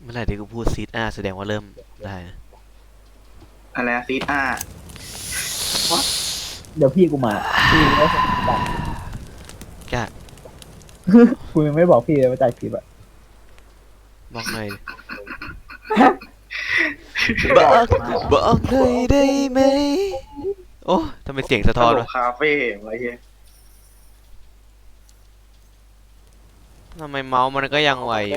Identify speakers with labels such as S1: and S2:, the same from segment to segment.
S1: เมื่อไหร่ที่กูพูดซีดอาแสดงว่าเริ่มได้นะ
S2: อะไรซีด
S3: เดี๋ยวพี่กูมาพี่ไม่สนใจ
S1: กะ
S3: กูยังไม่บอกพี่เลยว่าจ่ายคลิปอะ
S1: บอกหน่อยบอกบอกหน่อยได้ไหมโอ้ทำไมเสียงสะท้อนวะ
S2: คาเฟ่อะไรเงี้ย
S1: ทำไมเมาส์มันก็ยังไวอยู่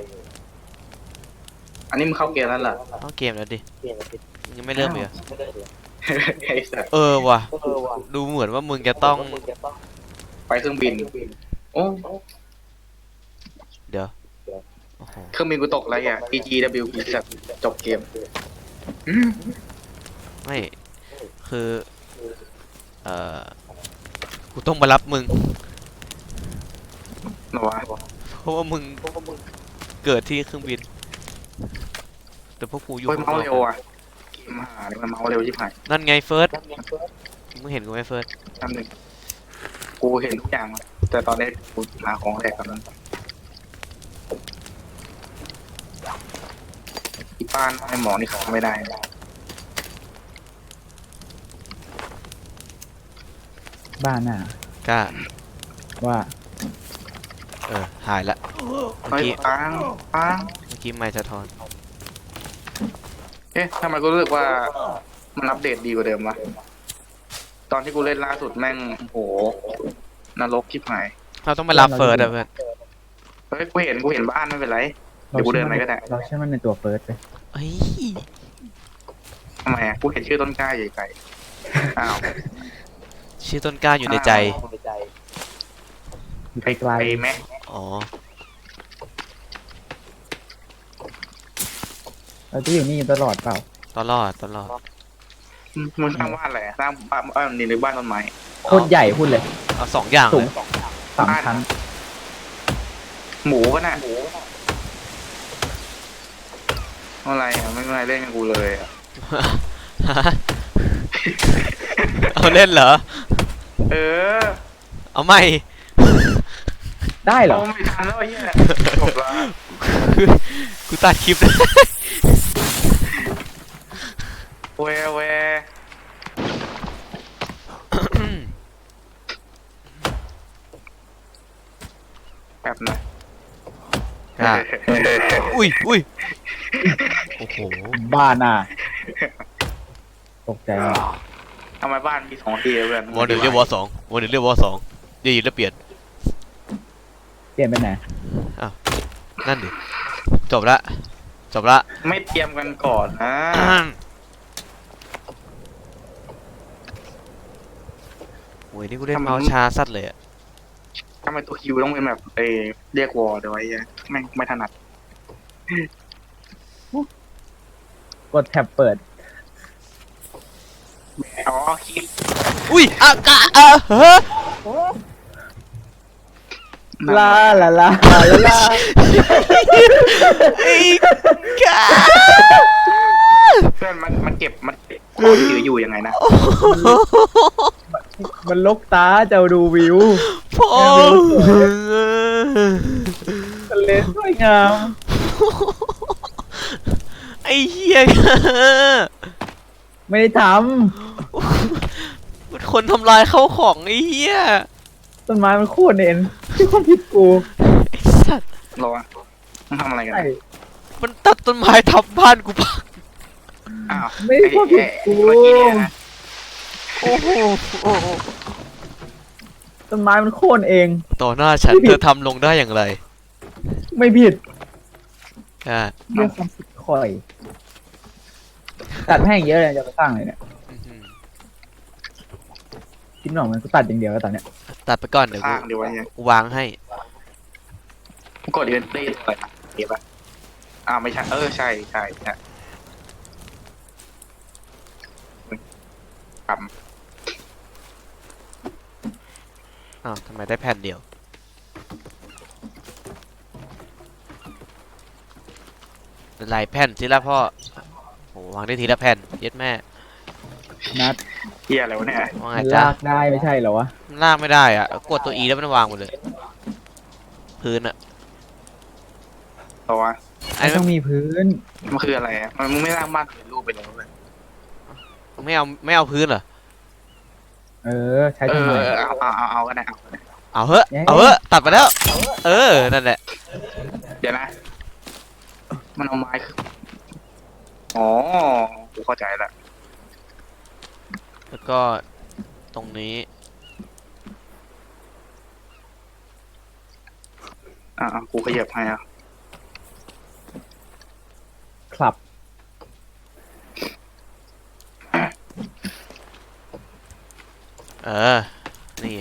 S2: อันนี้มึงเข้าเกมแล้วเหรอ
S1: เข้าเกมแล้วดิยังไม่เริ่มเลย
S2: ไอ้สัส
S1: ว่ะดูเหมือนว่ามึงจะต้อง
S2: ไปเครื่องบินโอ้
S1: เดี๋ยวโอ้โห
S2: เครื่องบินกูตกอะไรอ่ะ PGWP สัสจบเกม
S1: ไม่คือเอ่อกูต้องมารับมึง
S2: หรอวะ
S1: เพราะว่ามึงเกิดที่เครื่องบินแต่พวกกูอยู่
S2: เฮ้ยเมาส์เร็วอ่ะเกมหาเลยมันเมาส์เร็วชิบหาย
S1: นั่นไงเฟิร์สมึงเห็นกูไหมเฟิร์ส
S2: ทำหนึ่งกูเห็นทุกอย่างแต่ตอนนี้กูหาของแรกกันนั้นที่บ้านไอ้หมอนี่เขาไม่ได้
S3: บ้านน่ะ
S1: กล้า
S3: ว่า
S1: หายละเมื่อกี้
S2: ปัง
S1: ไม่สะท้อน
S2: เอ๊ะทำไมกูรู้สึกว่ามันอัปเดตดีกว่าเดิมวะตอนที่กูเล่นล่าสุดแม่งโหนรกชิบหาย
S1: เราต้องไปรับเฟิร์สอะเพื่อน
S2: เฮ้ยกูเห็นบ้านไม่เป็นไรเดี๋ยวกูเดินไปก็ได้
S3: เราเชื่อมันในตัวเฟิร์สเลย
S1: เฮ้ย
S2: ทำไมอ่ะกูเห็นชื่อต้นกล้าใหญ่ไก่อ้าว
S1: ชื่อต้นกล้าอยู่ในใจ
S3: อยู่ไกล
S2: ไหม
S1: อ๋อ
S3: เราจะอยู่นี่ตลอดเปล่า
S1: ตลอด
S2: มึงสร้างบ้านอะไรสร้างบ้านนี่หรือบ้านต้นไม้
S3: โคตรใหญ่พูดเลย
S1: เอา2 อย่าง
S3: สูง
S1: เลย
S3: 3 ชั้น
S2: หมูก็น่ะอะไรอ่ะไม่เป็นไรเล่นกับกูเลยอ่ะ
S1: เอาเล่นเหรอเอาไม่
S3: ได้เหรอ
S2: ไม่ทันแล้วไอ้เหี้ยจบละ
S1: กูตัดคลิปได้
S2: เวแบบนะ
S1: อุ้ยโอ้โห
S3: บ้านน่ะตกใจ
S2: ทำไมบ้านมี2 ทีเพื่อน
S1: วอ1เรียกวอ2วอ1เรียกวอ2ดีแล้วเปลี่ยน
S3: ไปไหน
S1: อ้าวนั่นดิจบละ
S2: ไม่เตรียมกันก่อนนะ
S1: โอ้ยนี่กูเล่นเมาส์ช้าสัตว์เลยอะ
S2: ทำไมตัวคิวต้องเป็นแบบเรียกวอลเดี๋ยวไอ้ไม่ถนัด
S3: กดแท็บเปิด
S2: อ๋อคิด
S1: อุ้ยอากาเฮ้
S3: ลา
S1: ไอ้กา
S2: เพื่อนมันเก็บของถืออยู่ยังไงนะ
S3: มันลกตาเจ้าดูวิว
S1: พ่อ
S3: ทะเลสวยงาม
S1: ไอ้เหี้ย
S3: ไม่ได้ท
S1: มันคนทำลายเข้าของไอ้เหี้ย
S3: ต้นไม้มันโค่นเองที่ความผิดกู
S1: ไอ้สัตว์
S2: รอมันทำอะไรกัน
S1: มันตัดต้นไม้ทับบ้านกูปะ
S2: อ้าว
S3: ไม่ได้ความผิดกู
S1: โอ้โห
S3: ต้นไม้มันโค่นเอง
S1: ต่อหน้าฉันเธอทำลงได้อย่างไร
S3: ไม่ผิด
S1: เรื่
S3: องความผิดคอยตัดแห้งเยอะเลยจะไปสร้างเลยเนี่ยคิดหน่อยมันก็ตัดอย่างเดียวแล้วตอนเนี้ย
S1: ตัดไปก่อนเดี๋ยวกูวางให้
S2: กดเดินได้เลยเก็บป่ะไม่ใช่ใช่
S1: ทำไมได้แผ่นเดียวหลายแผ่นทีละพ่อโหวางได้ทีละแผ่นเย็ดแม่
S3: นัด
S2: เฮียอะไรวะเนี่ย
S3: ลากได้ไม่ใช่เหรอวะ
S1: ลากไม่ได้อ่ะกดตัว E แล้วมันวางหมดเลยพื้นอ่ะ
S2: ตัว
S1: อัน
S3: ไม่
S1: นี้
S3: ต้องมีพื้น
S2: มันคืออะไรอะมันมึงไม่ร่างบ้านเป็นรูปไปแล้วเลย
S1: ไม่เอาพื้นเหรอ
S3: เออ ใช้
S2: เอ
S3: ทำไม
S2: อเอาก็ได้เอาก็ได้
S1: เอาเหอะ
S3: เย้
S1: เอาเหอะตัดไปแล้ว เออนั่นแหละ
S2: เดี๋ยวนะ มันเอาไม้คืออ๋อกูเข้าใจละ
S1: แล้วก็ตรงนี้
S2: กูขยับให้อ่ะ
S3: ครับ
S1: เออนี่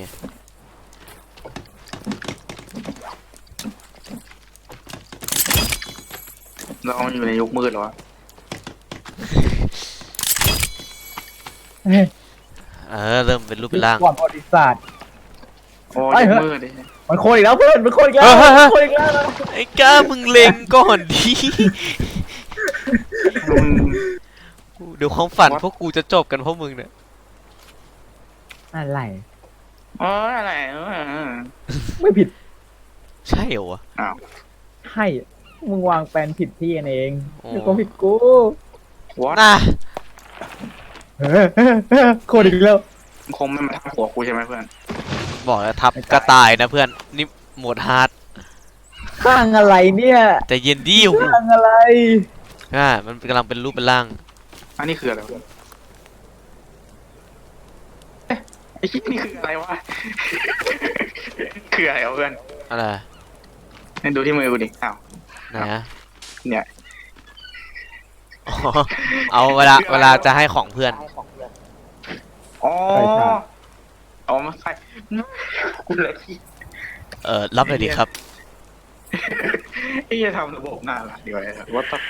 S2: เราอยู่ในยุคมืดเหรอวะ
S1: เออเริ่มเป็นรูปเป็นร่าง
S3: ก่อนประวัติศาสตร์
S2: โอ้
S3: เอ้ย
S2: ยุค
S3: เฮ้ย
S2: มืดดิ
S3: มันโคนอีกแล้วเพื่อนมันโคนอีกแล้ว
S1: เฮ้ย
S3: มันโคนอีกแล้วนะ
S1: ไอ้ก้ามึงเล็งก่อนดิ
S2: มึง
S1: เดี๋ยวความฝันพวกกูจะจบกันเพราะมึงเนี่ย
S3: อะไร
S2: อะไร
S3: ไม่ผิด
S1: ใช่เหรอวะ
S2: อ้าว
S3: ให้มึงวางแปลนผิดที่กันเอง
S1: โอ้
S3: เดี๋ยวก็ผิดกู
S2: what
S1: น่ะ
S3: โคนอีกแล้ว
S2: มึงคงไม่มาทับหัวกูใช่ไหมเพื่อน
S1: บอกแล้วทับกระต่ายนะเพื่อนนี่โหมดฮาร์ด
S3: ข้างอะไรเนี่ย
S1: แต่เย็นดิว
S3: ข้างอะไร
S1: มันกำลังเป็นรูปเป็นร่าง
S2: อันนี้คืออะไรวะไอ้คิดนี่คืออะไรวะ คืออะไรวะเพื่อน
S1: อะไร
S2: ให้ดูที่มือกูดิอ้าว
S1: ไหนอะ
S2: เนี่ย
S1: อ๋อเอาเวลาจะให้ของเพื่อน
S2: อ๋อ
S3: ใช่ใช่
S2: อ๋อมาใส่กูเลยที่
S1: รับเลยดีครับ
S2: ไอ้จะทำระบบน่ารักดีกว่าว่าต้อง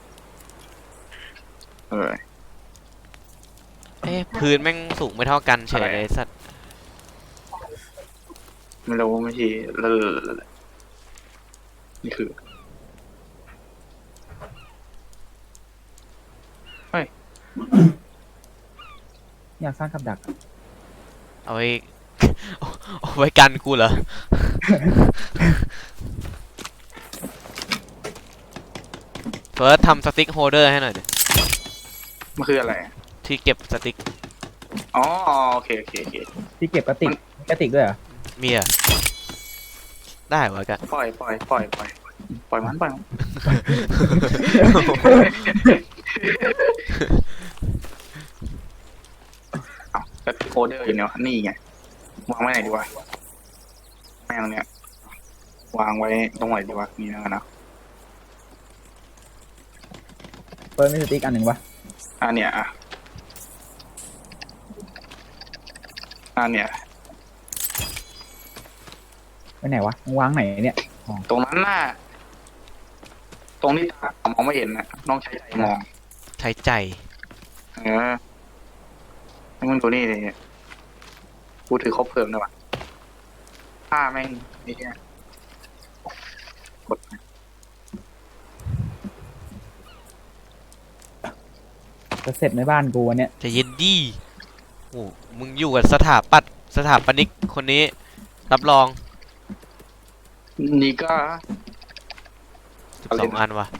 S1: พื้นแม่งสูงไม่เท่ากันเฉยเลยสัตว์
S2: ไม่รู้ไม่ใช่นี่คือ
S3: อยากสร้างกับดัก
S1: เอาไว้ เอาไว้กันกูเหรอ เฟิร์สทำสติ๊กโฮลเดอร์ให้หน่อยดิ
S2: มันคืออะไร
S1: ที่เก็บสติ๊ก
S2: อ๋อโอเค
S3: ที่เก็บกระติกด้วยเหรอ
S1: มีอะได้วะกะ
S2: ปล่อยมันเอาแต่โคเดอร์อยู่เนี่ยนี่ไงวางไว้ไหนดีวะแม่งเนี่ยวางไว้ตรงไหนดีวะนี่นะ
S3: เปิดมีสติ๊กอันหนึ่งวะ
S2: เนี่ยเนี่ย
S3: ไปไหนวะมึงวางไหนเนี่ย
S2: ตรงนั้นน่ะตรงที่ตามองไม่เห็นน่ะต้องใช้ใจมอง
S1: ใช้ใจ
S2: ให้มึงตัวนี้เลยกูถือครบเพลิงเลยวะผ้าแม่งนี่เนี่ยกด
S3: จะเสร็จในบ้านกูวันเนี้ย
S1: จะเย็นดีโอ้มึงอยู่กับสถาปนิกคนนี้ รับรอง
S2: นี่ก็
S1: 12 อันวะ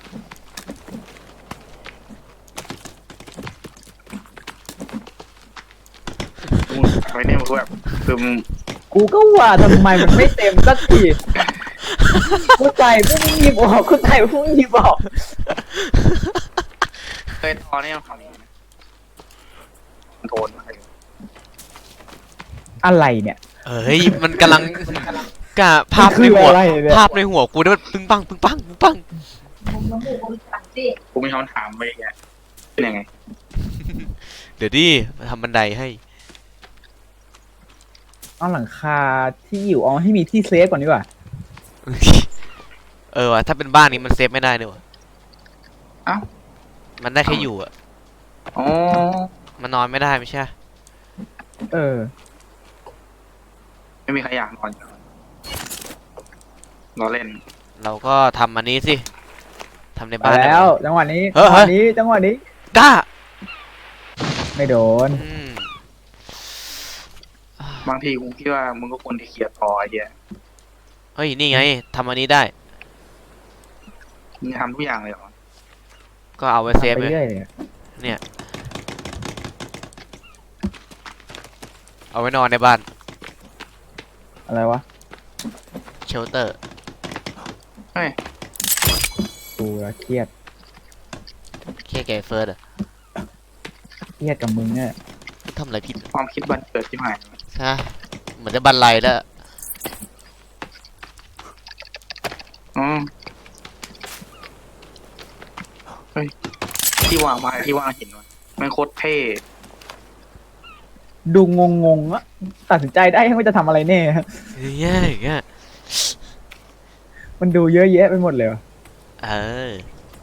S2: ไว้เนี่ยมันแบบคือมึง
S3: กูก็ว่าทำไมมันไม่เต็มสักทีกูใจพวกมึงหยิบออกกูใจพวกมึงหยิบออก
S2: เคยตอนนี้ทำอย่างนี้มันโทนมาให้ดู
S3: อะไรเนี่ย
S1: เฮ้ย มันกำลังกะภาพในหัว
S3: คืออะไรเนี่ย
S1: ภาพในหัวกูนี่มันปึ้งปังปึ้งปังปึ้งปัง
S2: กูมีคำถามไปแกเป็นยังไง
S1: เดี๋ยวดิมาทำบันไดให้
S3: เอาหลังคาที่อยู่เอาให้มีที่เซฟก่อนดีกว่า
S1: วะถ้าเป็นบ้านนี้มันเซฟไม่ได้เนี่ยวะ
S2: เอ้า
S1: มันได้แค่อยู่อะ
S2: อ๋อ
S1: มันนอนไม่ได้ไม่ใช่
S3: เออ
S2: ไม่มีใครอยากนอนรอเล่น
S1: เราก็ทำอันนี้สิทำใน
S3: มา
S1: บ้านได้
S3: แล้ว
S1: ไหม
S3: จังหวะนี้
S1: เฮ้
S3: จั
S1: ย
S3: งหวะนี้จังหวะนี้
S1: กล้า
S3: ไม่โดน
S2: บางทีกูคิดว่ามึงก็ควรที่เคลียร์ต่อไอ้เหี้ย
S1: เฮ้ย นี่ไงทำอันนี้ได้
S2: มึงทำทุกอย่างเลยเหรอ
S1: ก็เอาไว้เซฟ
S3: ไป
S1: ไง
S3: เรื่อยเลย
S1: เนี่ยเอาไว้นอนในบ้าน
S3: อะไรวะ
S1: เชลเตอร์
S2: เฮ้ย
S3: กูเครียด
S1: แค่แกเฟิร์สอะ
S3: เครียดกับมึงเนี่ย
S1: ทำอะไรผิด
S2: ความคิดบันเกิดที่หาย
S1: ฮะเหมือนจะบันไลแล้ว
S2: อืมเฮ้ยที่วางไม้ที่วางหินวะมันโคตรเท่
S3: ดูงงๆอะตัดสินใจได้ว่าจะทำอะไรแน่
S1: อย่างเงี้ยอย่างเงี้ย
S3: มันดูเยอะแยะไปหมดเลยวะ
S1: เออ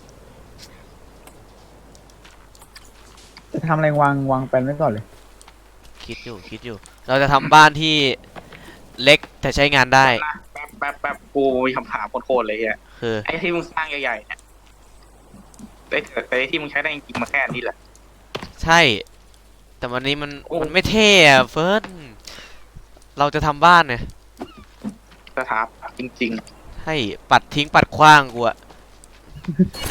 S3: จะทำอะไรวางแผนไว้ก่อนเลย
S1: คิดอยู่ เราจะทำบ้านที่เล็กแต่ใช้งานได้
S2: นะแป๊บกูมีคำถามโคตรๆเลยอ่ะ
S1: คือ
S2: ไอ้ที่มึงสร้างใหญ่ๆเนี่ยแต่ไอ้ที่มึงใช้ได้จริงๆมาแค่นี้แหละ
S1: ใช่ แต่วันนี้มัน
S2: โอ้
S1: มันไม่เท่อะเฟิร์สเราจะทำบ้านเนี่ย
S2: สถาปจริง
S1: ให้ปัดทิ้งปัดขว้างกูอะ
S2: ๆ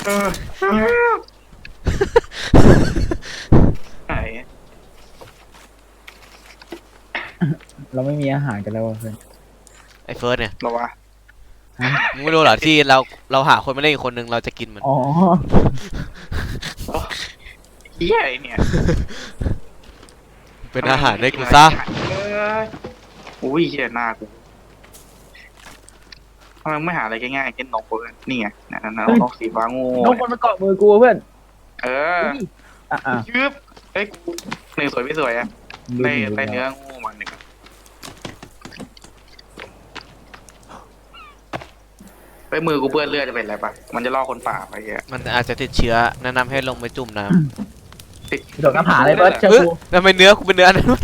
S2: ไหน
S3: เราไม่มีอาหารกันแล้วอะเพื่อน
S1: ไอ้เฟิร์สเนี่ย
S2: หรอวะ
S1: มึงไม่รู้เหรอที่เราหาคนมาเล่นอีกคนนึงเราจะกินมัน
S3: อ๋อ
S2: เฮียไอ้เนี่ย
S1: เป็นอาหารให้กูซะ
S2: อุ้ยเฮียหน้ากูทำไมไม่หาอะไรง่ายๆเช่นนกเพื่อนนี่ไงนั่นนกสีฟ้างู
S3: นกมันมาเกาะมือกูเพื่อน
S2: เออ
S3: อ่ะ
S2: ยืบเฮ้ยกูหนึ่งสวยไม่สวยอะได้เนื้องูมาหนึ่งไปมือกูเปื้อนเลือดจะเป็นอะไรปะมันจะล่อคนป่าไปเงี้ย
S1: มันอาจจะติดเชื้อแนะนำให้ลงไปจุ่มน้
S3: โดดหน้าผาเลยเพื่อน
S1: ำ
S3: เชื่อ
S1: เอ้ย
S3: กู
S1: ทำไมเนื้อกูเป็นเนื้อนั้นวะ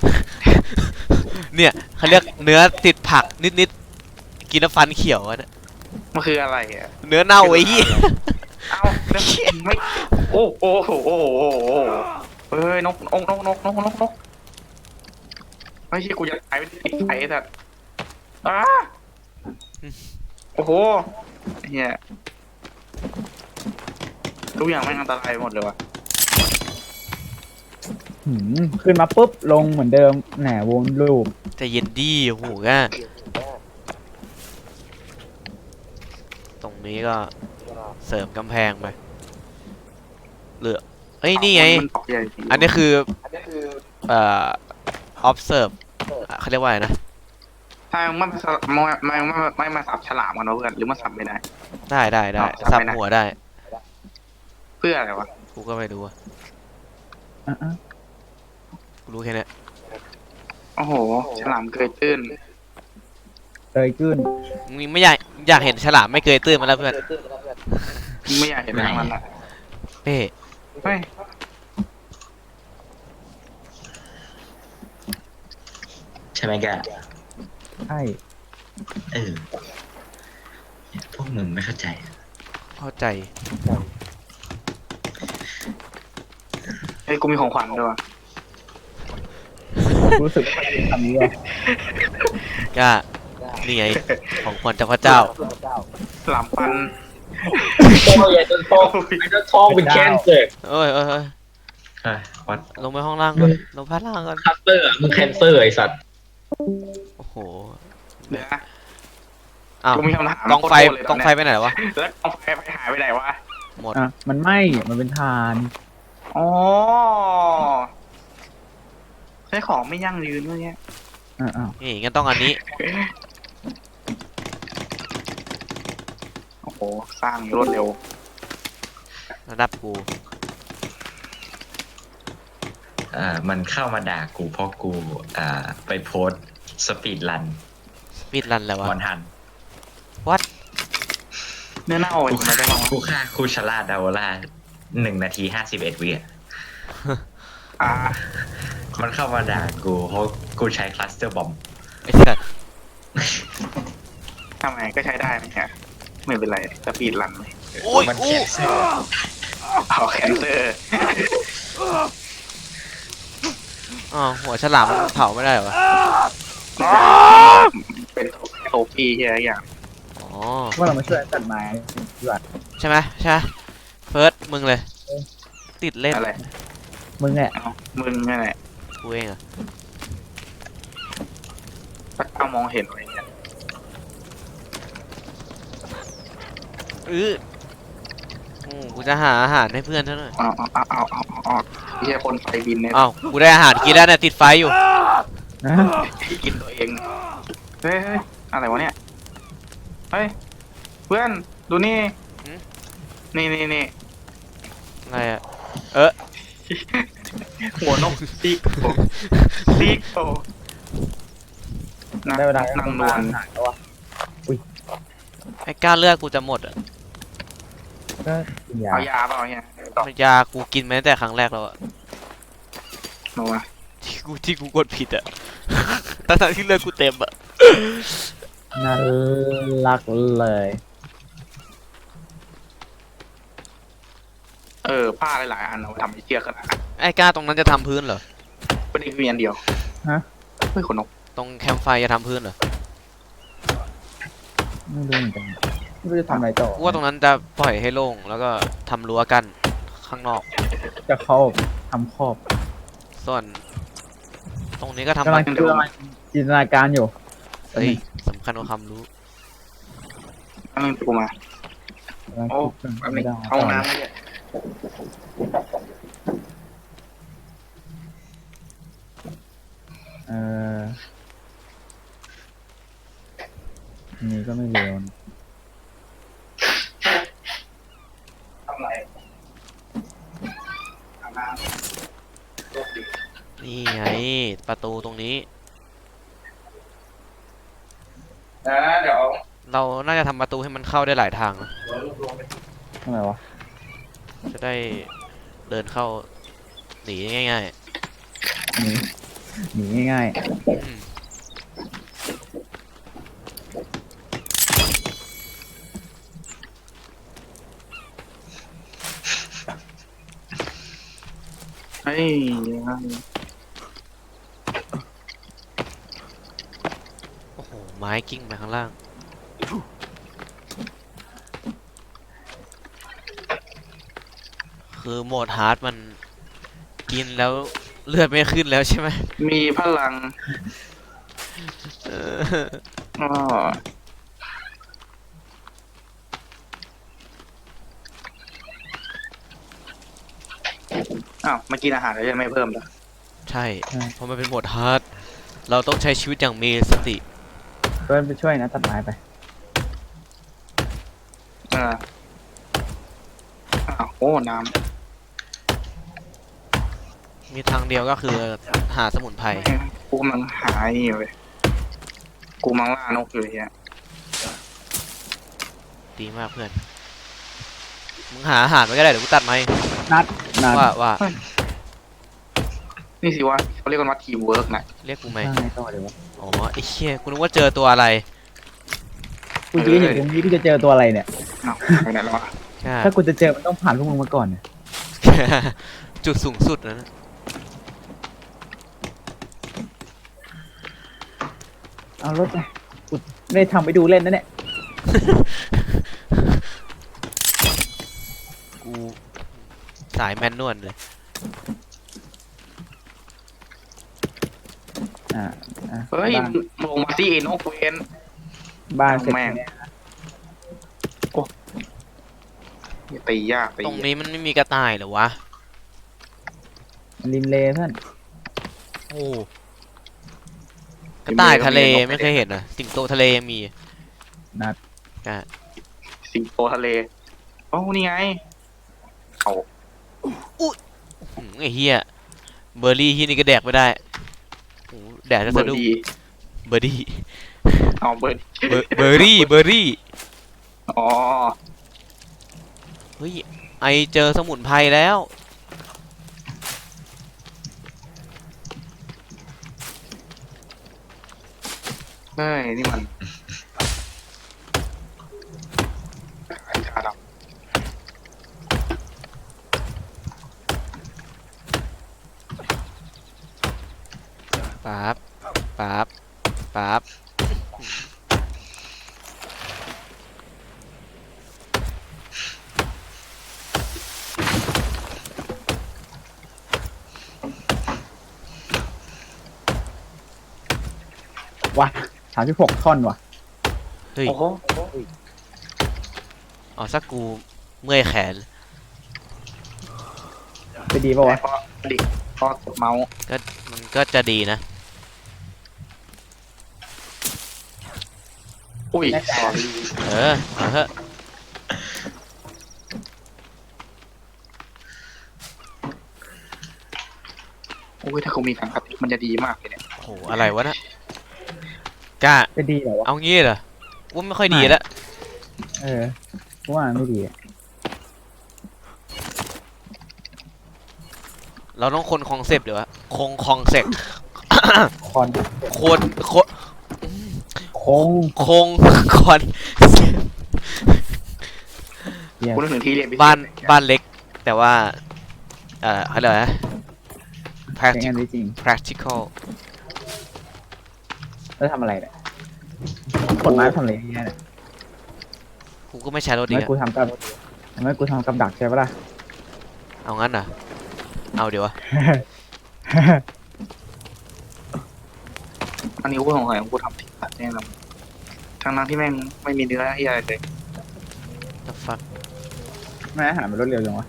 S1: เนี่ยเขาเรียกเนื้อติดผักนิดๆกินแล้วฟันเขียวอะเนี่ย
S2: มันคืออะไรอะ
S1: เนื้อเน่าไอ้เหี้ย
S2: เอ้าแล้วไม่โอ้โอ้โหโอ้โหโอ้โหเฮ้ยนกไม่ใช่กูจะตายไปติดไฟแต่อ้าโอ้โหเฮียทุกอย่างไม่งอันตรายหมดเลยวะ
S3: ขึ้นมาปุ๊บลงเหมือนเดิมแหนวนลูป
S1: ใจเย็นดีโอ้โหก้าตรงนี้ก็เสริมกำแพงไปเหลือเอ้ยนี่ไง
S2: มันตอกใหญ่จริง
S1: อันนี้คือobserve เขาเรียกว่าอะไรนะ
S2: ถ้าไม่มาสับฉลามกันวะเพื่อนหรือมาสับไม่ได้
S1: ได้
S2: เอา
S1: สับ
S2: ไปนะ
S1: หัวได้
S2: เพื่ออะไรวะ
S1: กูก็ไม่รู้อะ
S3: อ่ะ
S1: กูรู้แค่เนี้ย
S2: โอ้โหฉลามเกยตื้น
S3: เตยขึ้น
S1: มึงไม่อยากเห็นฉลามไม่เคยตื้นมาแล้วเพื่อน
S2: ไม่อยากเห็นทั้งนั้นอ่ะ
S1: เป้
S2: เฮ้ย
S4: ใช่ไหมแก
S3: ใช่
S4: เออพวกมึงไม่เข้าใจ
S1: เข้าใจ
S2: เฮ้ยกูมีของขวัญด้วยวะ
S3: รู้สึกคำนี้ว่า
S1: ก็นี่ไงของขวัญจากพระเจ้า
S2: ฉลามปัน
S5: Oh yeah, don't talk. I don't talk with cancer.
S1: เอ้ย
S4: เฮ้ยวัด
S1: ลงไปห้องล่างก่อนลงพัดล่างก่อน
S5: Cancer อ่ะมึง cancer ไอ้สัตว์
S1: โอ้โห
S2: เดี๋ยวนะ
S1: อ้าว
S2: กูมีคำถาม
S1: กองไฟ
S2: โคตรเลย
S1: กองไฟไปไหนวะ
S2: แล้วกองไฟไปหายไปไหนวะ
S1: หมด
S3: อ่ะมันไหมมันเป็นทาน
S2: อ๋อใช้ของไม่ยั่งยืนด้วยเนี่ย
S3: อ่ะ
S1: นี่งั้นต้องอันนี้
S2: โอ้โหสร้างรวดเร็ว
S1: ระดับกู
S4: มันเข้ามาด่ากูเพราะกูไปโพสสปีดรัน
S1: สปีดรันแล้ววะ
S4: วันทัน
S1: วัด
S2: เนื้อเน่า
S4: กู
S2: จริงไหมได้บ้างวะ
S4: กูฆ่าคูชาร่าดาวล่า1 นาที 51 วิอ่ะ
S2: อ่า
S4: มันเข้ามาด่ากูเพราะกูใช้คลัสเตอร์บอม
S1: ไอ้สัส
S2: ทำไมก็ใช้ได้นะฮะไม่เป็นไรสปีดรัน
S1: โอ้ย
S4: มัน
S1: โอ้
S4: แคนเซอร์
S2: เอาแคนเซอร์
S1: อ๋อหัวฉลามมันเผาไม่ได้เหรอวะ
S2: เป็นโทฟี่ใช่ไหมอย่าง
S1: อ๋อ
S3: ว่าเรามาช่วยตัดไม้ดีกว่า
S1: ใช่ไหมใช่ไหมเฟิร์สมึงเลย ติดเล่น
S2: อะไร
S3: มึงเนี่ย
S2: เอามึงนั่นแหละ
S1: กูเองอะ
S2: พระเจ้ามองเห็นอะไรเงี้ย
S1: กูจะหาอาหารให้เพื่อนเท่าหน่อย
S2: เอาไม่ใช่คนไฟบินเนี่ย
S1: อ้าวกูได้อาหารกินแล้วเนี่ยติดไฟอยู่
S3: นะ
S2: กินตัวเองเฮ้ยอะไรวะเนี่ยเฮ้ยเพื่อนดูนี่
S1: หืม
S2: นี่
S1: อะไรอะ
S2: หัวนกซีกโตซีกโตนะ
S3: ได้เวลา
S2: นั่งนวล
S3: หายแล้ววะ
S1: ไอ้ก้านเลือดกูจะหมดอะ
S3: ก็กินยา
S2: เอายาเปล่าเนี่ยต่อย
S1: ากูกินมาตั้งแต่ครั้งแรกแล้วอะ
S2: มาวะ
S1: ที่กูกดผิดอะ ทั้งที่เลือดกูเต็มอะ
S3: น่ารักเลย
S2: ผ้าหลายๆอันเอาไปทำไอ้เชือกขนาดนั้น
S1: ไอ้ก้าตรงนั้นจะทำพื้นเหรอ
S2: เป็นอีกเวียนเดียว
S3: ฮะ
S2: เฮ้ยขนนก
S1: ตรงแคมป์ไฟจะทำพื้นเหรอ
S3: ไม่รู้เหมือนกันไม่รู้จะทำอะไรต่อ
S1: กูว่าตรงนั้นจะปล่อยให้โล่งแล้วก็ทำรั้วกันข้างนอก
S3: จะครอบทำครอบ
S1: ส่วน ตรงนี้ก็ทำ
S3: กำลังจินตนาการอยู่
S1: เฮ้ยสำคัญกว่าความรู้
S2: อันนึงกูมา
S3: กำลัง
S2: โอ้
S3: คิด
S2: แป๊บนึ
S3: ไม่
S2: ง
S3: ได้
S2: เข้าห้องน้ำไม่ได้
S3: เออนี่ก็ไม่เร็วนะ
S2: ทำไรอาบน้ำ
S1: นี่ไงประตูตรงนี้
S2: เดี๋ยว
S1: เราน่าจะทำประตูให้มันเข้าได้หลายทางนะ
S3: ทำไมวะ
S1: จะได้เดินเข้าหนีง่าย
S3: หนีง่าย
S1: ๆอืม
S2: เฮ้ย
S1: โอ้โหไม้กิ้งไปข้างล่าง คือโหมดฮาร์ดมันกินแล้วเลือดไม่ขึ้นแล้วใช่ไหม
S2: มีพลัง
S1: เออ
S2: อ้ออ้าวมากินอาหารแล้วยังไม่เพิ่มเหรอ
S1: ใช่เพราะมันเป็นโหมดฮาร์ดเราต้องใช้ชีวิตอย่างมีสติ
S3: ๆเพื่อนไปช่วยนะตัดไม้ไป
S2: อ่าอ้าวโอ้น้
S1: มีทางเดียวก็คือหาสมุนไพร
S2: ำกูกำลังหาไอ้นี่อยู่เลยกูกำลังล่านกอยู่เนี่ย
S1: ดีมากเพื่อน มึงหาอาหารไว้ก็ได้เดี๋ยวกูตัดไม้
S3: นัด
S1: ว่า
S2: นี่สิวะเขาเรียกกันว่าทีมเวิร์กนะ
S1: เรียกกูไหม
S3: สร้างไงต่อเดี๋ยววะ
S1: อ๋อไอ้เชี่ยกูนึกว่าเจอตัวอะไร
S3: กูยืนอยู่ตรงนี้กูจะเจอตัวอะไรเนี่ย
S2: อ้าวไปไหนแล้ววะ
S1: ใช่
S3: ถ้ากูจะเจอมันต้องผ่านพวกมึงมาก่อนเนี่ย
S1: จุดสูงสุดนะ
S3: เอารถไปกูไม่ได้ทำไปดูเล่นนะเนี่ย
S1: กูสายแมนนวลเลย
S3: อ่าอ่ะ
S2: เฮ้ย
S3: บ้าน
S2: ลงมาที่นกเวน
S3: บ้านเสร็จ
S2: แม่ง
S3: เนี่ย
S2: อย่าตียากตี
S1: ตรงนี้มันไม่มีกระต่ายเหรอวะ
S3: ริมเลเพื่อน
S1: โอ้กระต่ายทะเลไม่เคยเห็นนะสิงโตทะเลยังมี
S3: นัด
S1: ก็
S2: สิงโตทะเลโอ้นี่ไงเขา
S1: ไอ้เหี้ยเบอร์รี่ที่นี่ก็แดกไม่ได้โอ้แดกจะ
S2: เบอ
S1: สะ
S2: ร์
S1: ดุ้ง
S2: ดี
S1: เบอร์รี่
S2: เอาเบอร์
S1: เบอร์รี่เบอร์รี่
S2: อ๋อ
S1: เฮ้ยไอเจอสมุนไพรแล้ว
S2: เฮ้ยนี่มันชาด
S1: ปั๊บ ปั๊บ ปั๊บ
S2: ำ
S3: ว่ะ36 ท่อนว่ะ
S1: เฮ้ย
S2: โอ้โห
S1: อ๋อสักกูเมื่อยแขน
S3: จะดีป่าวะ
S2: พอดิพอกดเมาส์
S1: มันก็จะดีนะ
S2: อุ้ย
S1: เออเอาเถอะ
S2: อุ้ยถ้าเขามีสังกัดมันจะดีมากเลยเนี่ย
S1: โอ้โหอะไรวะนะกล้า
S3: จะดีเหรอวะ
S1: เอางี้เหรอว่าไม่ค่อยดีแล้ว
S3: กูว่าไม่ดีอะ
S1: เราต้องคนคอนเซปต์เดี๋ยววะคงคอนเซปต์
S3: คอน
S1: โคตรโคตร
S3: โค้ง
S1: คงคอน
S3: เหี้ย
S2: กูนึกถึงที่เรียนพิเศษ
S1: บ้านเล็ก แต่ว่าเขาเรียกอะไรนะ
S3: ใช้งาน
S1: practical
S3: ได้จริง
S1: practical
S3: แล้วทำอะไรเนี่ยกดไม้ทำอะไรเนี่ย
S1: กูก็ไม่ใช้รถดี
S3: ไม่
S1: อะ
S3: กูทำกับดักใช่ปะล่ะ
S1: เอางั้นเหรอเอาเดี๋ยววะ
S2: อันนี้กูสงสัยกูทำผิดตัดแน่นอนทั้งนั้นที่แม่งไม่มีเนื้อที่อะไรเลย
S1: the fuck
S3: ไม่อาหารมันรวดเร็วจังวะ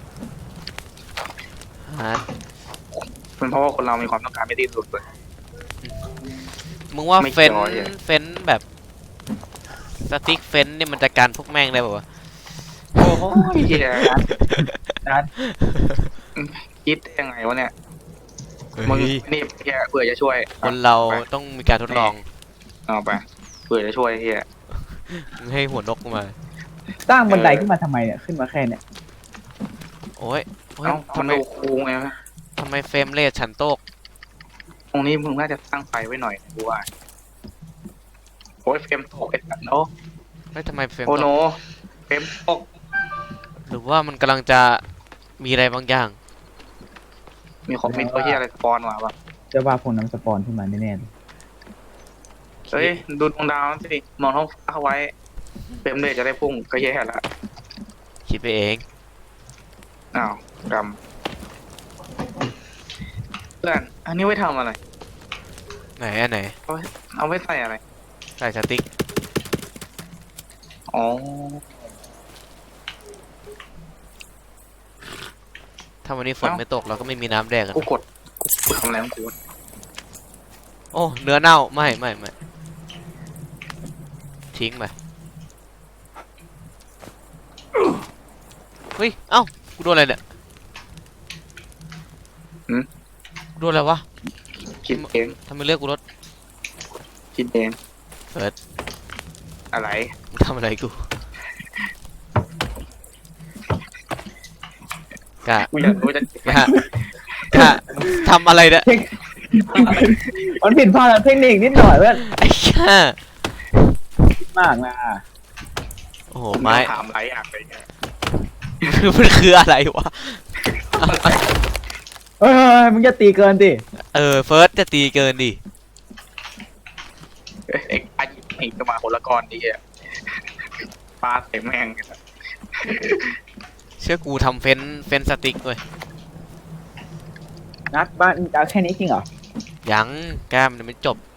S1: ฮะ
S2: เป็นเพราะว่าคนเรามีความต้องการไม่ดิ้นรนเลย
S1: มึงว่า
S2: ไม่
S1: เฟ้น
S2: จอยอะ
S1: เฟ้นแบบสติ๊กเฟ้นนี่มันจะการพวกแม่งได้ป่าวะ
S2: โอ้ยเหี้ย
S3: นัด
S2: คิดได้ยังไงวะเนี่ยมึงนี่แค่เผื่อจะช่วย
S1: คนเราต้องมีการทดลอง
S2: เอาไปเผื่อจะช่วยเฮีย
S1: มึงให้หัวนกมา
S3: สร้างบันไดขึ้นมาทำไมเนี่ยขึ้นมาแค่เนี่ย
S1: โอ้ยโอ้ย
S2: เอ้า
S1: ทำ
S2: มัน
S1: ไม
S2: ดูคูลไงวะ
S1: ทำไมเฟรมเรทฉันตก
S2: ตรงนี้มึงน่าจะตั้งไฟไว้หน่อยกูว่าโอ้ยเฟรมตกไอ้สัตว์โอ้
S1: ไม่ทำไมเฟรม
S2: โอ้
S1: ต
S2: โน
S1: ก
S2: เฟรมตก
S1: หรือว่ามันกำลังจะมีอะไรบางอย่าง
S2: มีตัวเฮียอะไรสปอนมาปะ
S3: เจ้าว่าพวกน้ำสปอนขึ้นมาแน่ๆเลย
S2: เฮ้ยดูดวงดาวนั่นสิมองท้องฟ้าเอาไว้เฟรมเลยจะได้พุ่งก็แย่ละ
S1: คิดไปเอง
S2: อ้าวกรรมเพื่อนอันนี้ไว้ทำอะไร
S1: ไหนอันไหน
S2: เอาไว้ใส่อะไร
S1: ใส่สติ๊ก
S2: อ๋อ
S1: ถ้าวันนี้ฝนไม่ตกเราก็ไม่มีน้ำแดกกัน
S2: กูกดกูทำอะไรของกู
S1: โอ้เนื้อเน่าไม่ทิ้งไปเฮ้ยเอ้ากูโดนอะไรเนี่ยกูโดนอะไรวะ
S2: คิดเอง
S1: ทำไมเลือกกูรถ
S2: คิดเอง
S1: เฟิร์ส
S2: อะไร
S1: มึงทำอะไรกูกะ
S2: กูอยากรู้จะ
S1: กะทำอะไรเนี่ย
S3: มันผิดพลาดทางเทคนิคนิดหน่อยเพื่อน
S1: ไอ้ช่าม
S3: ากนะ
S1: โอ้โห
S2: ไม้
S1: ไม้
S2: ถามไรอย่างไรเนี่ย
S1: มันคืออะไรวะ
S3: เฮ้ยมึงจะตีเกินดิ
S1: เฟิร์สจะตีเกินดิ
S2: เอ็กอายิงจะมาคนละก้อนดีอ่ะปลาใส่แม่ง
S1: เชื่อกูทำเฟ้นสติ๊กเว้ย
S3: นัดบ้านเอาแค่นี้จริงเหรอ
S1: ยังแก้มมันไม่จบ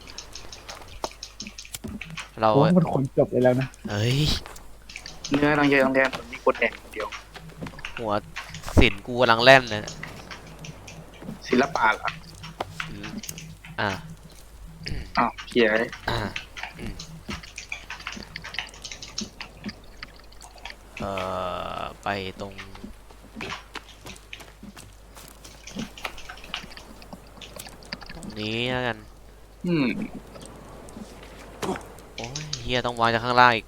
S1: เรา
S3: โอ้มันคนจบเลยแล้วนะ
S1: เอ้ย
S2: เนื้อต้องเยอะต้องแดงผมมีคนแดงคนเดียว
S1: หัวสินกูกำลังแล่นเลย
S2: ศิลปะเหรอ
S1: อ่า
S2: อ้าวเขีย
S1: อ่าไปตรงนี้แล้วกัน โอ้ยเฮียต้องวางจากข้างล่างอีก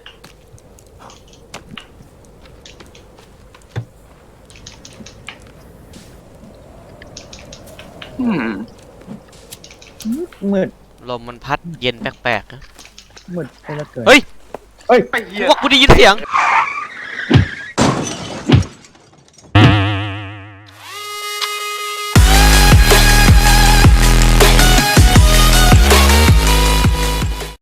S3: มืด
S1: ลมมันพัดเย็นแปลกๆนะ
S3: มืดไปแล้วเกิน
S1: เฮ้ย
S3: เฮ้ย
S2: ไอ้เหี้ย
S1: ว่ากูได้ยินเสียง